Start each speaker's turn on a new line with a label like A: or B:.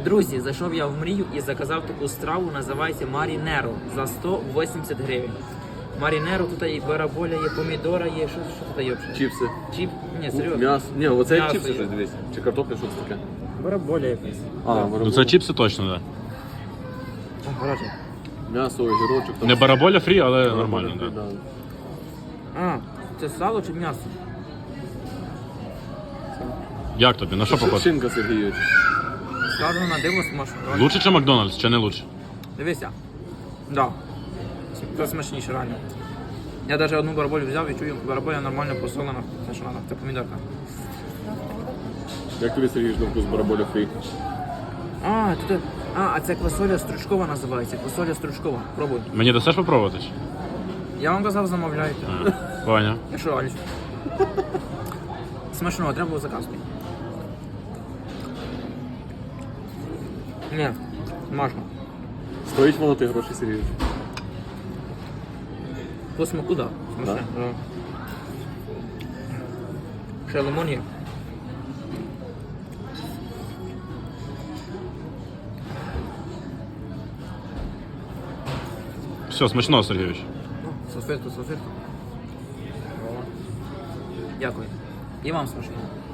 A: Друзі, зайшов я в мрію і заказав таку страву, називається Марінеро за 180 гривень. Марінеро, тут і бараболя, є помідора, є, що тут є взагалі?
B: Чіпси.
A: Ні, серйозно.
B: М'ясо. Ні, оце
A: М'ясо
B: чіпси
A: є.
B: щось, дивись. Чи картопля, що це таке?
A: Бараболя якась.
C: Ну це чіпси точно, так.
A: Гаражі.
B: М'ясо, огірочок.
C: Да. Не бараболя фрі, але нормально, так.
B: Да.
A: А, це сало чи м'ясо?
C: Як тобі? На що похоже?
B: Шинка, Сергійович.
A: Скажу на диво смачно.
C: Лучше, чи Макдональдс, чи не лучше?
A: Дивися. Да. Це смачніше реально. Я навіть одну бараболю взяв і чую, бараболя нормально посолена. Це що треба, це помідорка.
B: Як тобі, Сергійович, на вкус бараболя фрі?
A: А це квасоля стручкова називається. Квасоля стручкова. Пробуй.
C: Мені дасиш попробувати?
A: Я вам казав, замовляйте.
C: Поняв.
A: Я що, Аліс? Смачного, треба було заказувати. Ні, смачно.
B: Стоїть воно ти гроші, Сергійович?
A: По смаку, да. Смачне. Да. Ще лимон є.
C: Все, смачного, Сергійович.
A: Салфетку. Дякую. І вам смачного.